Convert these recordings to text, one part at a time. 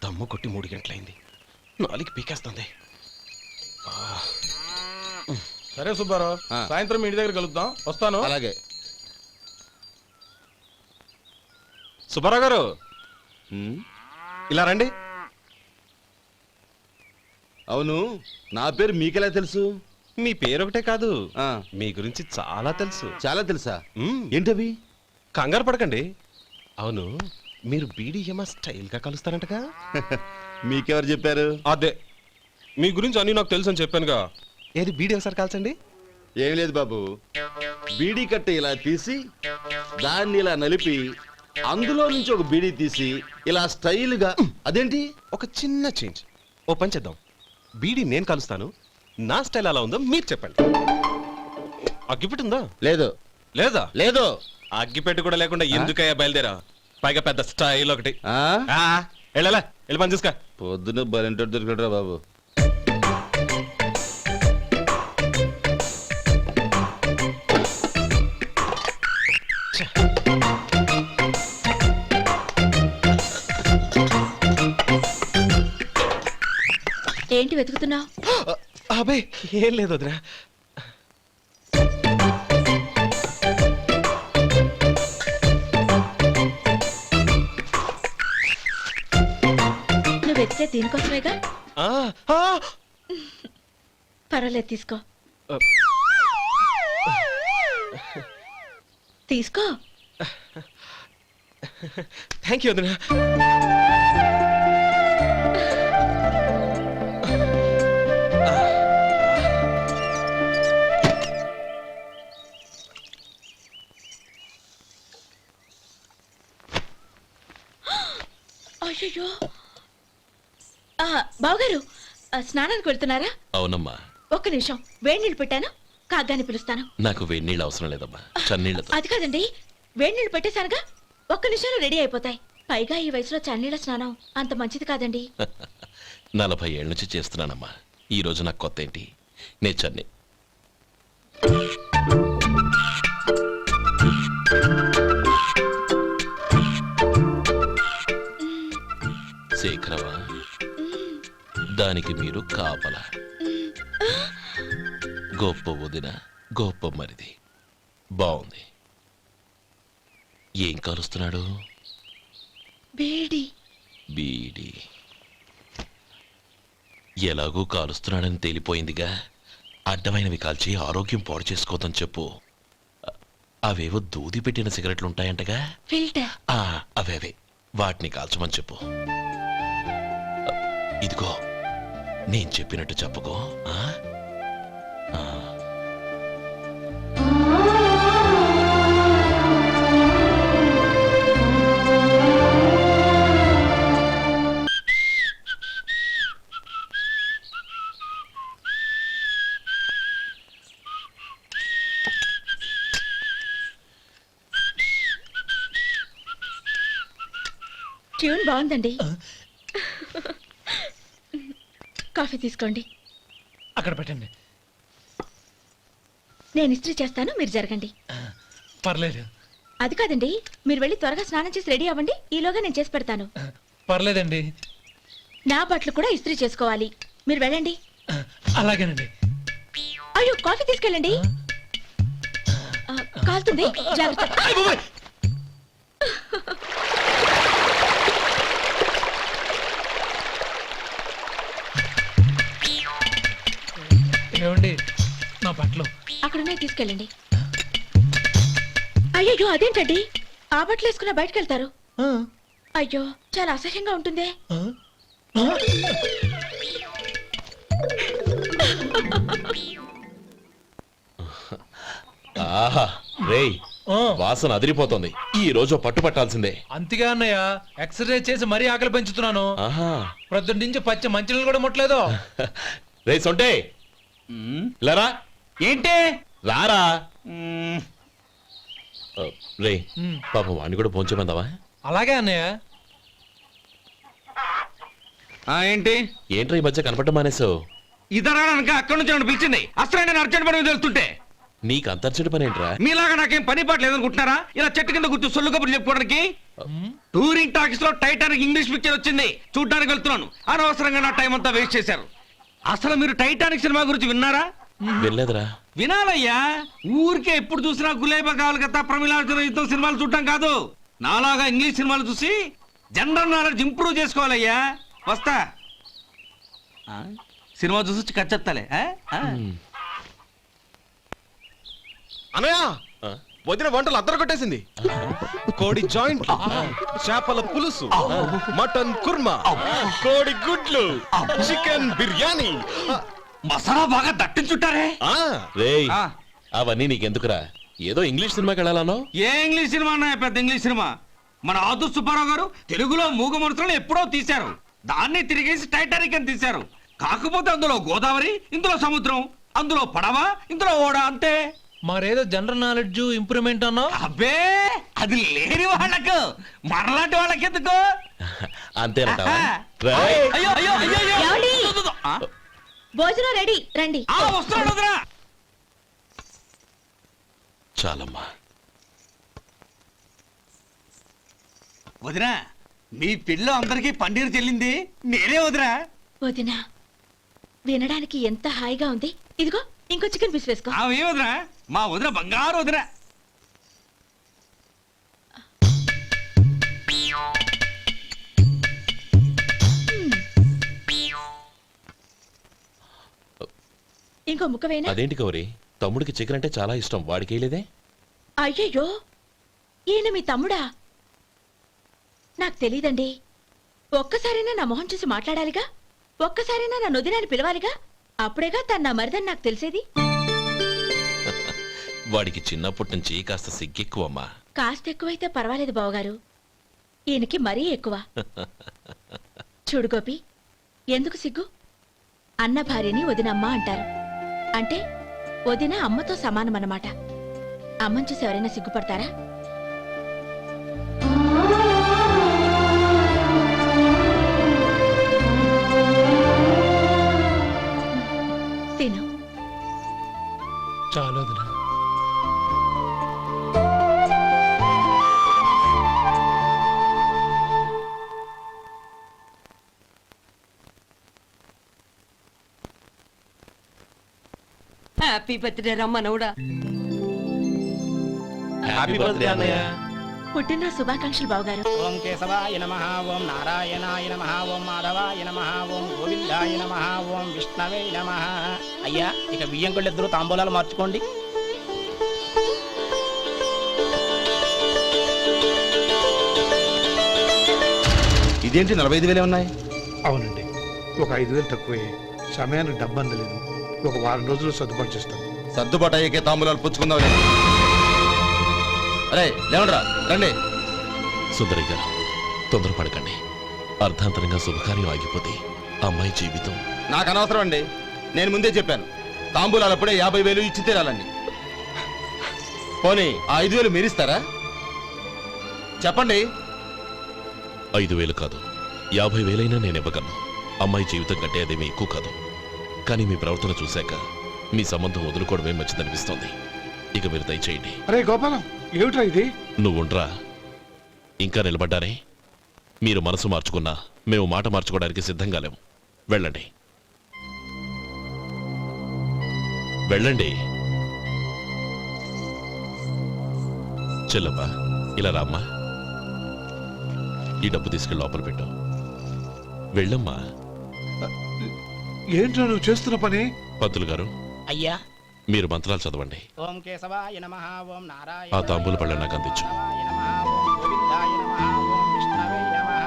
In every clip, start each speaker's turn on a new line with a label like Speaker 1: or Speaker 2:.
Speaker 1: దమ్ము కొట్టి 3 గంటలైంది. 4 పీకేస్తుంది.
Speaker 2: సరే సుబ్బారావు, సాయంత్రం ఇంటి దగ్గర కలుద్దాం. వస్తాను.
Speaker 3: అలాగే.
Speaker 1: సుబ్బారావు గారు ఇలా రండి.
Speaker 3: అవును, నా పేరు మీకెలా తెలుసు?
Speaker 1: మీ పేరు ఒకటే కాదు, మీ గురించి చాలా తెలుసు.
Speaker 3: చాలా తెలుసా? ఏంటవి?
Speaker 1: కంగారు పడకండి. అవును, మీరు బీడీఎం స్టైల్ గా కలుస్తారంటగా?
Speaker 3: మీకెవరు చెప్పారు?
Speaker 1: అదే, మీ గురించి అన్ని నాకు తెలుసు అని చెప్పానుగా. ఏది బీడీ ఒకసారి కాల్చండి.
Speaker 3: ఏం లేదు బాబు, బీడీ కట్ట ఇలా తీసి దాన్ని ఇలా నలిపి అందులో నుంచి ఒక బీడీ తీసి ఇలా స్టైల్గా. అదేంటి?
Speaker 1: ఒక చిన్న చేంజ్. ఓ పని చేద్దాం, బీడీ నేను కలుస్తాను, నా స్టైల్ అలా ఉందో మీరు చెప్పండి. అగ్గిపెట్టి ఉందా?
Speaker 3: లేదు.
Speaker 1: లేదా?
Speaker 3: లేదు.
Speaker 1: అగ్గిపెట్టి కూడా లేకుండా ఎందుకయ్యా బయలుదేరా? పైగా పెద్ద స్టైల్ ఒకటి. వెళ్ళాలా, వెళ్ళి పని చూసుకో.
Speaker 3: పొద్దున బలింటోడు దొరికడరా బాబు.
Speaker 4: ఏంటి వెతుకుతున్నావు?
Speaker 1: అబే ఏం లేదు వదినా.
Speaker 4: నువ్వు వెతికే దీనికోసమేగా. పర్వాలేదు, తీసుకో. తీసుకో.
Speaker 1: థ్యాంక్ యూ వదినా.
Speaker 4: అయ్యో, బావగారు స్నానానికి వెళ్తున్నారా?
Speaker 5: అవునమ్మా.
Speaker 4: ఒక్క నిమిషం, వేడి నీళ్ళు పెట్టాను, కాగ్గాని పిలుస్తాను.
Speaker 5: నాకు వేడి నీళ్ళు అవసరం లేదమ్మా, చన్నీళ్ళతో.
Speaker 4: అది కాదండి, వేడి నీళ్ళు పెట్టేశానుగా, ఒక్క నిమిషంలో రెడీ అయిపోతాయి. పైగా ఈ వయసులో చన్నీళ్ళ స్నానం అంత మంచిది కాదండి.
Speaker 5: 40 ఏళ్ళ నుంచి చేస్తున్నానమ్మా, ఈ రోజు నాకు కొత్త ఏంటి? నే చన్ని. శేఖరవా, దానికి మీరు కాపలా. గొప్ప వదిన, గొప్ప మరిది. బాగుంది. ఏం కాలుస్తున్నాడు?
Speaker 4: బీడి.
Speaker 5: బీడి ఎలాగూ కాలుస్తున్నాడని తేలిపోయిందిగా. అడ్డమైనవి కాల్చి ఆరోగ్యం పాడు చేసుకోదని చెప్పు. అవేవో దూది పెట్టిన సిగరెట్లుంటాయంటగా,
Speaker 4: ఫిల్టర్.
Speaker 5: అవే వాటిని కాల్చమని చెప్పు. ఇదిగో, నేను చెప్పినట్టు చెప్పుకో.
Speaker 4: ట్యూన్ బాగుందండి. కాఫీ తీసుకోండి.
Speaker 6: అక్కడ పెట్టండి.
Speaker 4: నేను ఇస్త్రీ చేస్తాను, మీరు జరగండి.
Speaker 6: పర్లేదు.
Speaker 4: అది కాదండి, మీరు వెళ్ళి త్వరగా స్నానం చేసి రెడీ అవ్వండి, ఈలోగా నేను చేసి పెడతాను.
Speaker 6: పర్లేదండి.
Speaker 4: నా బట్టలు కూడా ఇస్త్రీ చేసుకోవాలి, మీరు వెళ్ళండి.
Speaker 6: అలాగేనండి.
Speaker 4: అయ్యో, కాఫీ తీసుకెళ్ళండి. కాలుతుంది, జాగ్రత్త.
Speaker 6: ఏమండి, నా బట్టలు
Speaker 4: అక్కడున్నా తీసుకెళ్ళండి. అయ్యో, అదేంటండి, ఆ బట్టలు వేసుకున్న బయటకు వెళ్తారు? అయ్యో, చాలా అసహ్యంగా ఉంటుంది.
Speaker 5: ఆహా రేయ్, వాసన అదిరిపోతుంది. ఈ రోజు పట్టు పట్టాల్సిందే.
Speaker 6: అంతగా అన్నయ్య, ఎక్సర్సైజ్ చేసి మరీ ఆకలి పెంచుతున్నాను. ప్రొద్దున నుంచి పచ్చి మంచినీళ్ళు కూడా ముట్టలేదు.
Speaker 5: రే సొంటే, లరా.
Speaker 6: ఏంటి?
Speaker 5: రారా. రే పాపం వాణ్ణి కూడా పోంచమందావా?
Speaker 6: అలాగే అన్నయ్య.
Speaker 3: ఏంటి
Speaker 5: ఏంట్రా ఈ మధ్య కనపడటం మానేసావు?
Speaker 7: ఇదనక అక్కడి నుంచి నన్ను పిలిచింది. అసలు నేను అర్జెంట్ పని తెలుస్తుంటే
Speaker 5: నీకు అంతర్చడి పని ఏంట్రా?
Speaker 7: మీలాగా నాకేం పని పాట లేదనుకుంటున్నారా? ఇలా చెట్టు కింద కూర్చో సొల్లు కబుర్లు చెప్పుకోవడానికి. టూరింగ్ టాకీస్ లో టైటానిక్ ఇంగ్లీష్ పిక్చర్ వచ్చింది, చూడ్డానికి వెళ్తున్నాను. అనవసరంగా నా టైం అంతా వేస్ట్ చేశారు. అసలు మీరు టైటానిక్ సినిమా గురించి విన్నారా?
Speaker 5: వెళ్ళలేదురా.
Speaker 7: వినాలయ్యా. ఊరికే ఎప్పుడు చూసినా గులేబా కావాలి కదా, ప్రమిళార్జున యుద్ధం సినిమాలు చూడటం కాదు. నాలాగా ఇంగ్లీష్ సినిమాలు చూసి జనరల్ నాలెడ్జ్ ఇంప్రూవ్ చేసుకోవాలయ్యా. వస్తా. సినిమా చూసి కచ్చెత్తాలే.
Speaker 1: అనయా
Speaker 5: ఆ?
Speaker 1: వదిన వంటలు అద్దరు కొట్టేసింది. కోడి జాయింట్, చేపల పులుసు, మటన్ కుర్మా, కోడి గుడ్లు, చికెన్ బిర్యానీ.
Speaker 7: మసాలా బాగా దట్టించుంటారే.
Speaker 1: ఆ,
Speaker 5: రేయ్
Speaker 7: ఆ.
Speaker 5: అవన్నీ నీకెందుకురా? ఏదో ఇంగ్లీష్ సినిమాకి వెళ్ళాలనో.
Speaker 7: ఏ ఇంగ్లీష్ సినిమా అన్నా పెద్ద ఇంగ్లీష్ సినిమా. మన ఆదు సుబ్బారావు గారు తెలుగులో మూగ మనుషులను ఎప్పుడో తీశారు. దాన్ని తిరిగేసి టైటానిక్ అని తీశారు. కాకపోతే అందులో గోదావరి, ఇందులో సముద్రం, అందులో పడవ, ఇందులో ఓడ, అంతే.
Speaker 6: మరేదో జనరల్ నాలెడ్జ్ ఇంప్రూవ్మెంట్ అన్నావు.
Speaker 7: అబ్బే అది లేని వాళ్ళకు, మనలాంటి వాళ్ళకి ఎందుకు?
Speaker 5: అంతేనట.
Speaker 7: అయ్యో అయ్యో అయ్యో అయ్యో.
Speaker 4: ఏమండి?
Speaker 7: ఆ?
Speaker 4: భోజనం రెడీ, రండి.
Speaker 7: వస్తున్నాడు వదరా.
Speaker 5: చాలమ్మా.
Speaker 7: వదినా, మీ పిల్ల అందరికీ పన్నీరు చెల్లింది నేనే వదినా.
Speaker 4: వదినా, వినడానికి ఎంత హాయిగా ఉంది. ఇదిగో ఇంకో చికెన్ పీస్ వేసుకో.
Speaker 7: ఏ వదినా, మా వదిన బంగారు వదినా.
Speaker 4: ఇంకో ముక్క వేయనా?
Speaker 5: అదేంటి గౌరీ, తమ్ముడికి చికెన్ అంటే చాలా ఇష్టం, వాడికి వేయలేదే?
Speaker 4: అయ్యయ్యో, ఈయన మీ తమ్ముడా? నాకు తెలీదండి. ఒక్కసారైనా నా మొహం చూసి మాట్లాడాలిగా, ఒక్కసారైనా నా నొదినాన్ని పిలవాలిగా, అప్పుడేగా తన నా మరిదని నాకు తెలిసేది.
Speaker 5: వాడికి చిన్నప్పటి నుంచి కాస్త సిగ్గెక్కువమ్మా.
Speaker 4: కాస్త ఎక్కువైతే పర్వాలేదు బావగారు, ఈయనకి మరీ ఎక్కువ. చూడు గోపి, ఎందుకు సిగ్గు? అన్న భార్యని వదినమ్మ అంటారు. అంటే వదిన అమ్మతో సమానమన్నమాట. అమ్మని చూసి ఎవరైనా సిగ్గుపడతారా? తిను.
Speaker 6: చాలు వదినా.
Speaker 8: హ్యాపీ బర్త్డే రమ్మనవుడా.
Speaker 5: హ్యాపీ బర్త్డే అన్నయ్య.
Speaker 4: పుట్టిన శుభాకాంక్షలు బావగారు.
Speaker 9: ఓం కేశవాయ నమః, ఓం నారాయణాయ నమః, ఓం మాధవాయ నమః, ఓం గోవిందాయ నమః, ఓం విష్ణవే నమః. అయ్యా, ఇక బియ్యం కొళ్ళిద్దరూ తాంబూలాలు మార్చుకోండి.
Speaker 3: ఇదేంటి 45,000 ఉన్నాయి?
Speaker 10: అవునండి, ఒక 5,000 తక్కువే. సమయానికి డబ్బు అందలేదు. ఒక వారం రోజులు సర్దుబాటు చేస్తాం.
Speaker 3: సర్దుబాటు అయ్యే తాంబూలాలు పుచ్చుకుందాం. అరే లేవండ్రా, రండి.
Speaker 5: సుందరి గారు, తొందరపడకండి. అర్ధాంతరంగా శుభకార్యం ఆగిపోతే అమ్మాయి జీవితం.
Speaker 3: నాకు అనవసరం అండి, నేను ముందే చెప్పాను. తాంబూలాలు అప్పుడే 50,000 ఇచ్చి తీరాలండి. పోనీ ఆ 5,000 మీరిస్తారా? చెప్పండి.
Speaker 5: 5,000 కాదు, 50,000 నేను ఇవ్వగలను. అమ్మాయి జీవితం కంటే అదేమీ ఎక్కువ కాదు. కానీ మీ ప్రవర్తన చూశాక మీ సంబంధం వదులుకోవడమే మంచిదనిపిస్తోంది. ఇక మీరు దయచేయండి.
Speaker 10: అరే గోపాలం, ఏమిట్రా ఇది?
Speaker 5: నువ్వుండ్రా, ఇంకా నిలబడ్డారే. మీరు మనసు మార్చుకున్నా మేము మాట మార్చుకోవడానికి సిద్ధంగా లేము. వెళ్ళండి, వెళ్ళండి. చెల్లమ్మా, ఇలా రామ్మా. ఈ డబ్బు తీసుకెళ్ళి లోపల పెట్టు. వెళ్ళమ్మా.
Speaker 10: ఏంట్రా నువ్వు చేస్తున్న పని?
Speaker 5: పంతులు గారు,
Speaker 9: అయ్యా,
Speaker 5: మీరు మంత్రాలు చదవండి.
Speaker 9: ఓం కేశవాయ నమః, ఓం నారాయణ
Speaker 5: ఆ తాంబూల పళ్ళ నాకు అందించు.
Speaker 9: నమః, ఓం గోవిందాయ నమః, ఓం విష్ణవే నమః.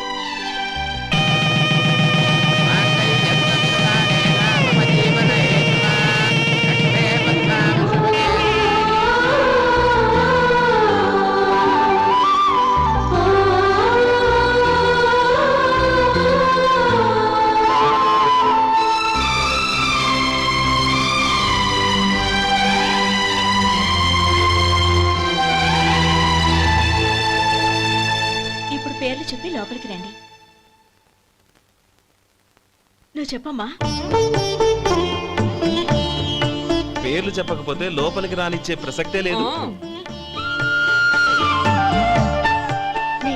Speaker 4: ఇప్పుడు పేర్లు చెప్పి లోపలికి రండి. నువ్వు చెప్పమ్మా.
Speaker 1: పేర్లు చెప్పకపోతే లోపలికి రానిచ్చే ప్రసక్తే లేదు.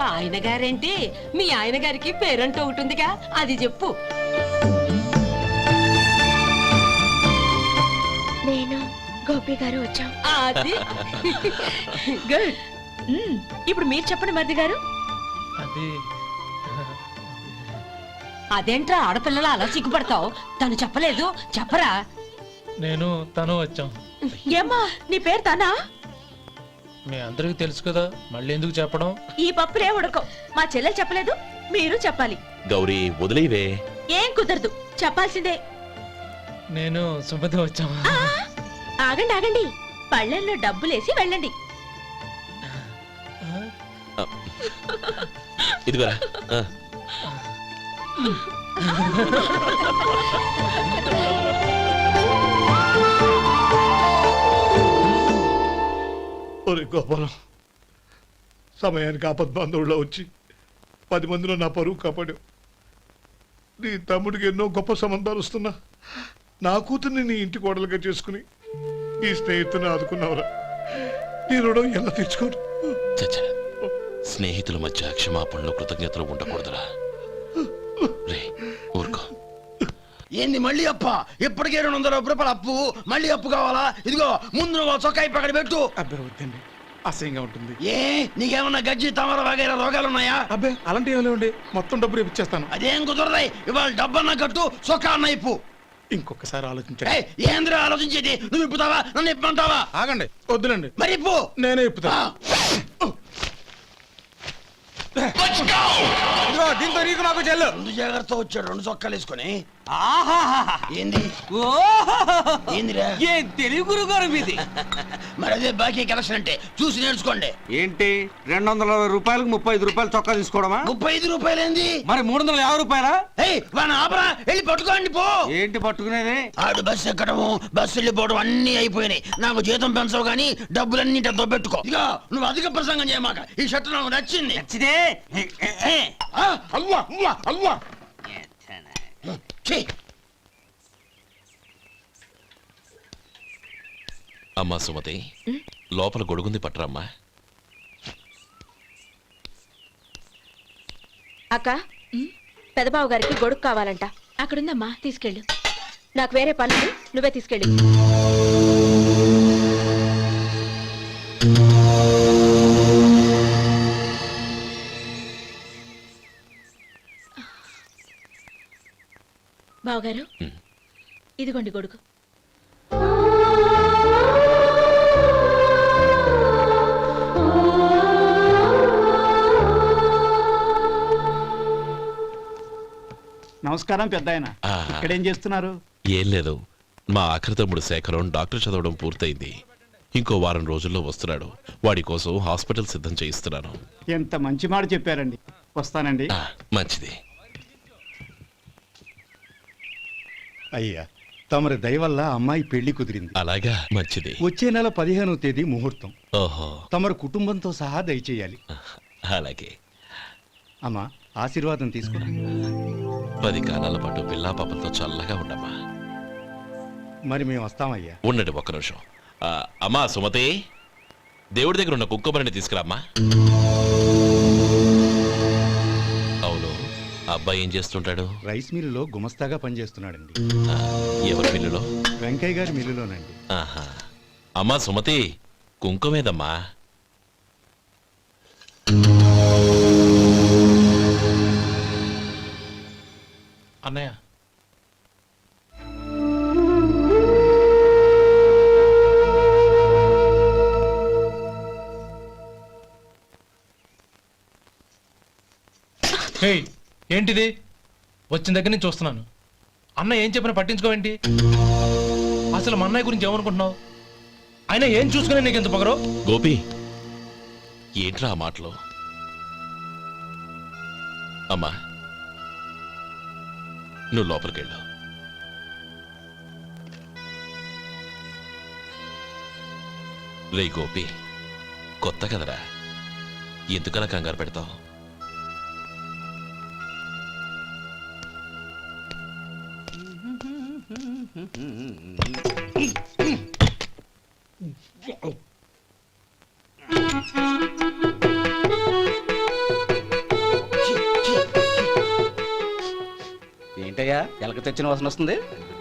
Speaker 8: ఆయన గారేంటి మీ ఆయన గారికి పేరంటూ ఒకటి ఉందిగా అది చెప్పు.
Speaker 4: నేను గోపి గారు వచ్చాం.
Speaker 8: అది
Speaker 4: గుడ్. ఇప్పుడు మీరు చెప్పండి మరిది గారు.
Speaker 6: అది
Speaker 8: అదేంట్రా ఆడపిల్లలు అలా సిగ్గుపడతావు? తను చెప్పలేదు, చెప్పరా.
Speaker 6: నేను తను వచ్చాం.
Speaker 4: ఏమ్మా నీ పేరు తానా?
Speaker 6: మీ అందరికీ తెలుసు కదా, మళ్ళీ ఎందుకు చెప్పడం?
Speaker 4: ఈ పప్పులే ఉడకవు. మా చెల్లెలు చెప్పలేదు, మీరు చెప్పాలి.
Speaker 5: గౌరీ వదిలేవే.
Speaker 4: ఏం కుదరదు, చెప్పాల్సిందే.
Speaker 6: నేను సుమతి వచ్చాం.
Speaker 4: ఆ, ఆగండి ఆగండి, పళ్ళెంలో డబ్బులేసి వెళ్ళండి.
Speaker 5: ఇదిగోరా.
Speaker 10: ఒరే గోపాలం, సమయానికి ఆపద్బాంధవుల్లో వచ్చి 10 మందిలో నా పరువు కాపాడావు. నీ తమ్ముడికి ఎన్నో గొప్ప సంబంధాలు వస్తున్నా నా కూతుర్ని నీ ఇంటి కోడలుగా చేసుకుని నీ స్నేహితుని ఆదుకున్నావురా. నీ రుణం ఎలా తెచ్చుకోరు?
Speaker 5: చచ్చ, స్నేహితుల మధ్య క్షమాపణలు కృతజ్ఞతలు ఉండకూడదురా. రే ఊరుకో.
Speaker 7: ఏంది మళ్ళీ అప్ప? ఇప్పటికే 200 రూపాయల అప్పు, మళ్ళీ అప్పు కావాలా? ఇదిగో ముందు నువ్వు చొక్కా పక్కన పెట్టు.
Speaker 2: అబ్బే వద్దండి, అసహ్యంగా ఉంటుంది.
Speaker 7: ఏ నీకేమన్నా గజ్జి తమర వగైరా రోగాలున్నాయా?
Speaker 2: అబ్బే అలాంటి ఏమీ లేవండి, మొత్తం డబ్బు రేపు ఇచ్చేస్తాను.
Speaker 7: అదేం కుదరదాయి. ఇవాళ డబ్బన్నా కట్టు, చొక్కా అన్న ఇప్పు.
Speaker 2: ఇంకొకసారి ఆలోచించండి.
Speaker 7: ఏయ్, ఏంద్రా ఆలోచించేది? నువ్వు ఇప్పుతావా, నన్ను ఇప్పమంటావా?
Speaker 2: ఆగండి, వద్దులండి,
Speaker 7: మరి ఇప్పు.
Speaker 2: నేనే ఇప్పుతా. ఇదిగో దీంతో నీకు నాకు చెల్లు.
Speaker 7: 2 జాగ్రత్త వచ్చాడు, 2 చొక్కాలు వేసుకొని. ఏంది ఏందిరా?
Speaker 11: ఏ తెలుగు గురుగారు మీది?
Speaker 7: మరి అదే బాకీ కలెక్షన్ అంటే చూసి నేర్చుకోండి.
Speaker 11: ఏంటి 220 రూపాయలకు 35 రూపాయలు చొక్కా తీసుకోవడమా?
Speaker 7: 35 రూపాయలు ఏంది?
Speaker 11: మరి 350 రూపాయలా?
Speaker 7: ఏయ్ వాడిని ఆపరా, వెళ్ళి పట్టుకోండి పో.
Speaker 11: ఏంటి పట్టుకునేది?
Speaker 7: ఆడు బస్సు ఎక్కడము, బస్సు వెళ్ళిపోవడం అన్ని అయిపోయినాయి. నాకు జీతం పెంచవు గానీ డబ్బులన్నీ దొబ్బెట్టుకో. ఇక నువ్వు అధిక ప్రసంగం చేయమాక. ఈ షర్ట్ నాకు నచ్చింది.
Speaker 11: నచ్చితే
Speaker 7: అల్వా అల్వా అల్వా. ఛీ.
Speaker 5: అమ్మా సుమతి, లోపల గొడుగుంది పట్టరమ్మా.
Speaker 4: అక్క, పెదబాబు గారికి గొడుగు కావాలంట. అక్కడుందమ్మా, తీసుకెళ్ళు. నాకు వేరే పనులు, నువ్వే తీసుకెళ్ళి. బావగారు, ఇదిగోండి గొడుగు.
Speaker 9: నమస్కారం పెద్ద ఆయన. ఇక్కడేం చేస్తున్నారు?
Speaker 5: ఏం లేదు, మా ఆఖరి తమ్ముడు శేఖరం డాక్టర్ చదవడం పూర్తయింది. ఇంకో వారం రోజుల్లో వస్తున్నాడు. వాడి కోసం హాస్పిటల్ సిద్ధం చేయిస్తున్నాను.
Speaker 9: ఎంత మంచి మాట చెప్పారండి. వస్తానండి.
Speaker 5: మంచిది.
Speaker 12: అయ్యా, తమరి దయ వల్ల అమ్మాయి పెళ్లి కుదిరింది.
Speaker 5: అలాగా, మంచిది.
Speaker 12: వచ్చే నెల 15వ తేదీ ముహూర్తం.
Speaker 5: ఓహో,
Speaker 12: తమరు కుటుంబంతో సహా దయచేయాలి.
Speaker 5: అలాగే.
Speaker 12: అమ్మా, ఆశీర్వాదం తీసుకో.
Speaker 5: 10 కాలాల పాటు పిల్లా పాపలతో చల్లగా ఉండమ్మా.
Speaker 12: మరి మేము వస్తామయ్యా.
Speaker 5: ఉండండి ఒక్క నిమిషం. అమ్మా సుమతి, దేవుడి దగ్గర ఉన్న కుక్కబరిని తీసుకురామ్మా. అవును, అబ్బాయి ఏం చేస్తుంటాడు?
Speaker 12: రైస్ మిల్లులో గుమస్తాగా పనిచేస్తున్నాడండి.
Speaker 5: ఎవరి మిల్లులో?
Speaker 12: వెంకయ్య గారి మిల్లులోనండి.
Speaker 5: ఆహా. అమ్మా సుమతి, కుంకుమేదమ్మా?
Speaker 6: అన్నయ్య, ఏంటిది? వచ్చిన దగ్గర నుంచి చూస్తున్నాను. అన్న ఏం చెప్పినా పట్టించుకోవేంటి? అసలు మా అన్నయ్య గురించి ఏమనుకుంటున్నావు? అయినా ఏం చూసుకునే నీకు ఎంత పొగరు?
Speaker 5: గోపి, ఏంట్రా ఆ మాటలు? అమ్మా, నువ్వు లోపలికెళ్ళు. రే గోపి, కొత్త కదరా, ఎందుకలా కంగారు పెడతావు?
Speaker 9: ఏంటయ్యా ఎలక తెచ్చిన వాసన వస్తుంది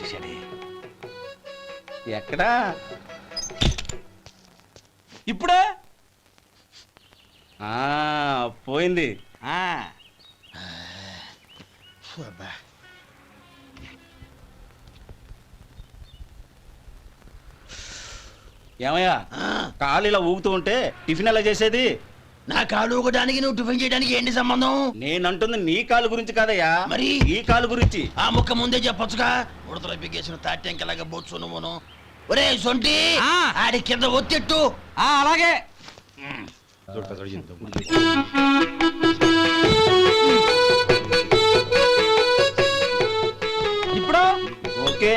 Speaker 9: ఎక్కడా
Speaker 7: ఇప్పుడే
Speaker 9: పోయింది.
Speaker 7: ఆ,
Speaker 9: ఏమయ్యా కాలు ఇలా ఊగుతూ ఉంటే టిఫిన్ ఎలా చేసేది?
Speaker 7: నా కాలు ఊగడానికి నువ్వు టిఫిన్ చేయడానికి ఏంటి సంబంధం?
Speaker 9: నేనంటుంది నీ కాలు గురించి కాదయ్యా,
Speaker 7: మరి
Speaker 9: ఈ కాలు గురించి.
Speaker 7: ఆ ముక్క ముందే చెప్పొచ్చుగా. ఉడతలో బిగ్గేసిన తాట్యంకలాగా బొచ్చు నువ్వును. ఒరే సొంటి, ఆడి కింద ఒత్తిట్టు. అలాగే.
Speaker 9: ఇప్పుడు ఓకే.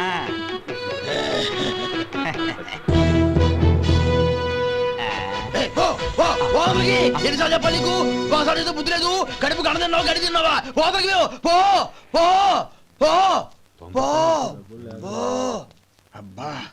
Speaker 7: ఎన్నిసార్లు చెప్పాలి నీకు? ఒకసారి బుద్ధి లేదు. కడుపు గడ తిన్నావు, గడి తిన్నావా? పోతకి పో పో పో పో పో.
Speaker 10: అబ్బా